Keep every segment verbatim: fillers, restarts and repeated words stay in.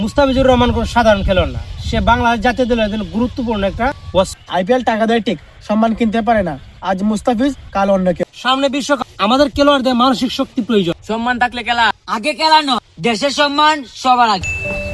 মুস্তাফিজুর রহমান কোন সাধারণ খেলোয়াড় না, সে বাংলাদেশ জাতীয় দলের জন্য গুরুত্বপূর্ণ একটা আইপিএল টাকা দেয় ঠিক, সম্মান কিনতে পারে না। আজ মুস্তাফিজ, কাল অন্য কেউ। সামনে বিশ্বকাপ, আমাদের খেলোয়াড়দের মানসিক শক্তি প্রয়োজন। সম্মান থাকলে খেলা আগে, খেলা নয়, দেশের সম্মান সবার আগে।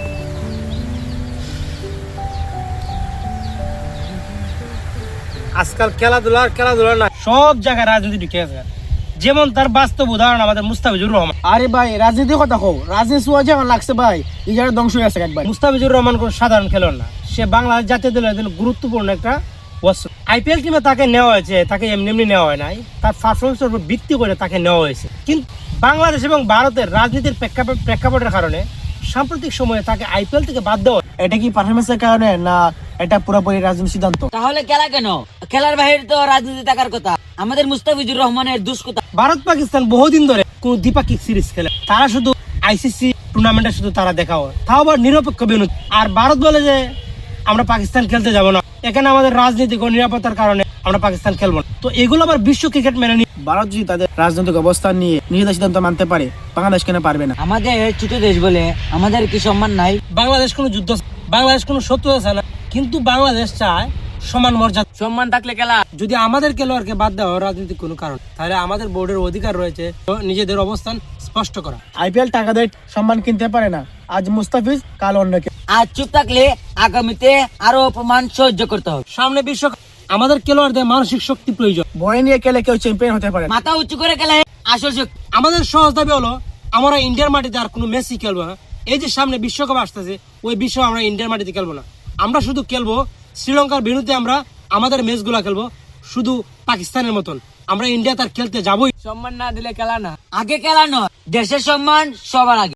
আজকাল খেলাধুলার খেলাধুলা না, সব জায়গায় রাজনীতি ঢুকে আছে। যেমন তার বাস্তব উদাহরণ আমাদের মুস্তাফিজুর রহমান। আরে ভাই, রাজনীতির কথা কও, রাজনীতি সুয়া যে আমার লাগছে ভাই, এই জায়গায় ধ্বংস হয়ে গেছে একবার। মুস্তাফিজুর রহমান কোন সাধারণ খেলোয়াড় না, সে বাংলাদেশ জাতীয় দলের জন্য গুরুত্বপূর্ণ একটা অস্ত্র। আইপিএল টিমে তাকে নেওয়া হয়েছে, তাকে এমনি এমনি নেওয়া হয় নাই, তার পারফরমেন্সের উপর ভিত্তি করে তাকে নেওয়া হয়েছে। কিন্তু বাংলাদেশ এবং ভারতের রাজনীতির প্রেক্ষাপট প্রেক্ষাপটের কারণে সাম্প্রতিক সময়ে তাকে আইপিএল থেকে বাদ দেওয়া। এটা কি পারফরমেন্সের কারণে, না এটা পুরোপুরি রাজনীতি সিদ্ধান্ত? তাহলে খেলা কেন? খেলার বাইরে তো রাজনীতি থাকার কথা। আমাদের মুস্তাফিজুর রহমানের দুষ কথা। ভারত পাকিস্তান বহুদিন ধরে কোন দ্বিপাক্ষিক সিরিজ খেলে, তারা শুধু আইসিসি টুর্নামেন্টে শুধু তারা দেখা হয়, তাও আবার নিরপেক্ষ বিনোদ। আর ভারত বলে যে আমরা পাকিস্তান খেলতে যাব না, এখানে আমাদের রাজনৈতিক ও নিরাপত্তার কারণে আমরা পাকিস্তান খেলবো না। তো এগুলো আবার বিশ্ব ক্রিকেট মেনে নিয়ে ভারত যদি তাদের রাজনৈতিক অবস্থান নিয়ে নিজেদের সিদ্ধান্ত মানতে পারে, বাংলাদেশ কেন পারবে না? আমাদের ছোট দেশ বলে আমাদের কি সম্মান নাই? বাংলাদেশ কোনো যুদ্ধ, বাংলাদেশ কোনো শত্রু আছে না, কিন্তু বাংলাদেশ চায় সমান মর্যাদা। সম্মান থাকলে খেলা। যদি আমাদের খেলোয়াড়কে বাদ দেওয়া হয় রাজনৈতিক কোনো কারণ, তাহলে আমাদের বোর্ডের অধিকার রয়েছে নিজেদের অবস্থান স্পষ্ট করা। আইপিএল টাকা দেয়, সম্মান কিনতে পারে না। আজ মুস্তাফিজ, কাল অন্য কেউ। আজ চুপ থাকলে আগামীতে আরো অপমান সহ্য করতে হবে। সামনে বিশ্বকাপ, আমাদের খেলোয়াড়দের মানসিক শক্তি প্রয়োজন। ভয় নিয়ে খেলে কেউ চ্যাম্পিয়ন হতে পারে না। মাথা উঁচু করে খেলা আসল শক্তি। আমাদের সহজ দাবি হলো, আমরা ইন্ডিয়ার মাটিতে আর কোনো মেসি খেলবো না। এই যে সামনে বিশ্বকাপ আসতেছে, ওই বিশ্ব আমরা ইন্ডিয়ার মাটিতে খেলবো না। আমরা শুধু খেলবো শ্রীলঙ্কার বিরুদ্ধে, আমরা আমাদের ম্যাচগুলো খেলবো শুধু পাকিস্তানের মতন। আমরা ইন্ডিয়া তার খেলতে যাবোই। সম্মান না দিলে খেলা না। আগে খেলা নয়, দেশের সম্মান সবার আগে।